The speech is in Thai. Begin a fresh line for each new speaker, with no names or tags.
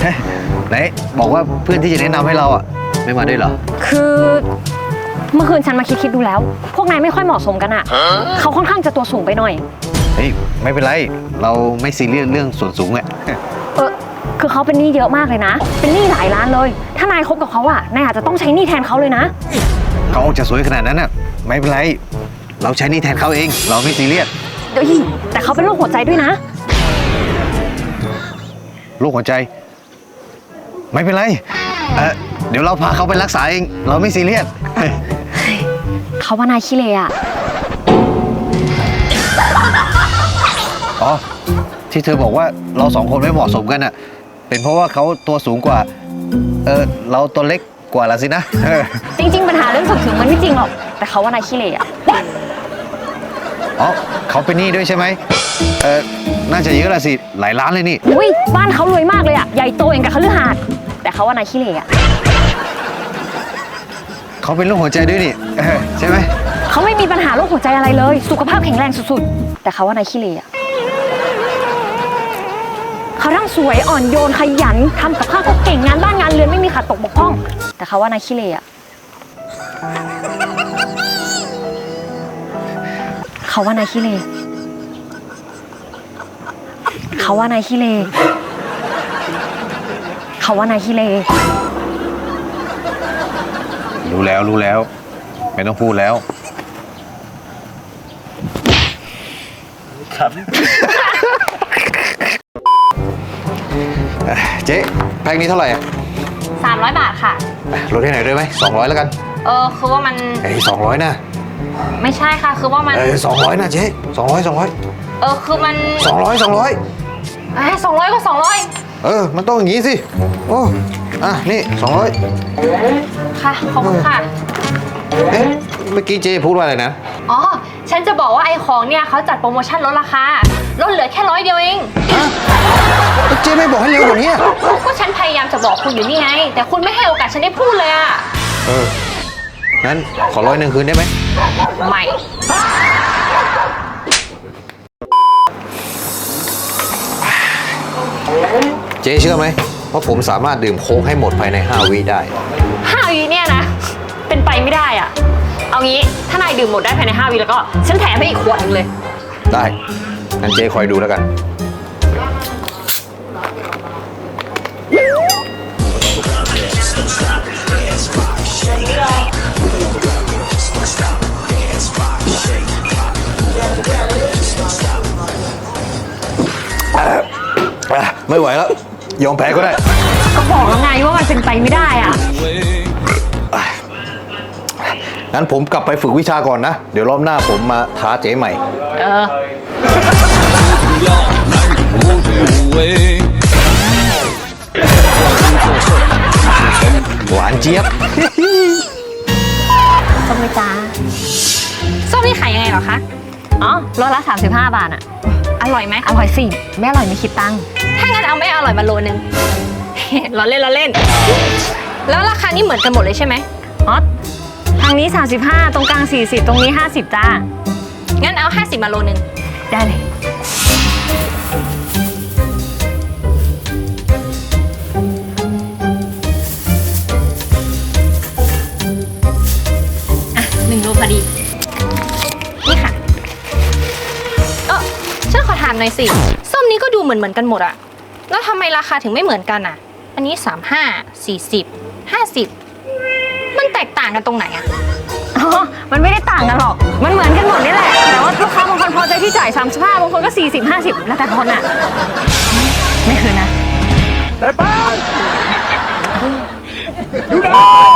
ไหนบอกว่าเพื่อนที่จะแนะนำให้เราอ่ะไม่มาด้วยเหรอ
คือเมื่อคืนฉันมาคิดดูแล้วพวกนายไม่ค่อยเหมาะสมกันอ่ะเขาค่อนข้างจะตัวสูงไปหน่อย
เฮ้ยไม่เป็นไรเราไม่ซีเรียสเรื่องส่วนสูงอ่ะ
คือเขาเป็นหนี้เยอะมากเลยนะเป็นหนี้หลายล้านเลยถ้านายคบกับเขาอ่ะนายอาจจะต้องใช้หนี้แทนเขาเลยนะ
เขาออกจะสวยขนาดนั้นอ่ะไม่เป็นไรเราใช้หนี้แทนเขาเองเราไม่ซีเรียส
เดี๋ยวแต่เขาเป็นโรคหัวใจด้วยนะ
โรคหัวใจไม่เป็นไรเดี๋ยวเราพาเขาไปรักษาเองเราไม่ซีเรียส
เขาว่านายขี้เลอ่ะ
อ๋อที่เธอบอกว่าเราสองคนไม่เหมาะสมกันอ่ะเป็นเพราะว่าเขาตัวสูงกว่าเราตัวเล็กกว่าละสินะ
จริงๆปัญหาเรื่องส่วนสูงมันไม่จริงหรอกแต่เขาว่านายขี้เลอ่ะ
อ๋อเขาเป็นหนี้ด้วยใช่ไหมน่าจะเยอะละสิหลายล้านเลยนี่
อุ้ยบ้านเขารวยมากเลยอ่ะใหญ่โตอย่างกับคฤหาสน์แต่เขาว่านายขี้เลอ่ะ
เขาเป็นโรคหัวใจด้วยนี่ใช่ไหม
เขาไม่มีปัญหาโรคหัวใจอะไรเลยสุขภาพแข็งแรงสุดๆแต่เขาว่านายขี้เลอ่ะเขาทั้งสวยอ่อนโยนขยันทำกับข้าวก็เก่งงานบ้านงานเรือนไม่มีขาดตกบกพร่องแต่เขาว่านายขี้เลอ่ะเขาว่านายขี้เลเขาว่านายขี้เลเขาว่านายขี้เล
รู้แล้วไม่ต้องพูดแล้วครับเจ๊แพ็คนี้เท่าไหร่
300 บาทค่ะ
ลดให้หน่อยได้ไหม200แล้วกัน
คือว่ามัน
200นะ
ไม่ใช่ค่ะคือว่ามัน
200นะเจ๊200
คือมัน
200
200ก็200
มันต้องอย่างงี้สิโอ้นี่200
ค่ะขอบคุณค่ะ
เมื่อกี้เจ๊พูดว่าอะไรนะ
อ๋อฉันจะบอกว่าไอ้ของเนี่ยเขาจัดโปรโมชั่นลดราคาลดเหลือแค่100 เดียวเอง
เจ๊ไม่บอกให้เร็วกว่านี้
ก็ฉันพยายามจะบอกคุณอยู่นี่ไงแต่คุณไม่ให้โอกาสฉันได้พูดเลยอ่ะ
งั้นขอ100คืนได้ไหม
ไม่
เจ๊เชื่อไหมว่าผมสามารถดื่มโค้กให้หมดภายใน5 วิได้
5 วิเนี่ยนะเป็นไปไม่ได้อ่ะเอางี้ถ้านายดื่มหมดได้ภายใน5 วิแล้วก็ฉันแถมให้อีกขวดนึงเลย
ได้งั้นเจ๊คอยดูแล้วกันไม่ไหวแล้วยอมแพ้ก็ได้
ก็บอกแล้วไงว่ามันเป็นไปไม่ได้อ่ะ
งั้นผมกลับไปฝึกวิชาก่อนนะเดี๋ยวรอบหน้าผมมาท้าเจ๊ใหม่หวานเจี๊ยบ
ส้มไหมจ๊ะส้มนี่ขายยังไงเหรอคะอ๋อโลละ35 บาทอ่ะอร่อยไหมอร่อยสิไม่อร่อยไม่คิดตังค์ถ้างั้นเอาไม่อร่อยมาโลนึงเราเล่นแล้วราคานี่เหมือนกันหมดเลยใช่ไหมอ๋อทางนี้35ตรงกลาง40ตรงนี้50จ้างั้นเอา50มาโลนึงได้เลย1 โลพอดีนี่ค่ะฉันขอถามหน่อยสิส้มนี้ก็ดูเหมือนกันหมดอะแล้วทำไมราคาถึงไม่เหมือนกันอะอันนี้35 40 50มันแตกต่างกันตรงไหนอะมันไม่ได้ต่างกันหรอกมันเหมือนกันหมดนี่แหละแต่ว่าลูกค้าบางคนพอใจที่จ่าย35บางคนก็40 50แล้วแต่คนอะไม่คืนนะแต่ป้า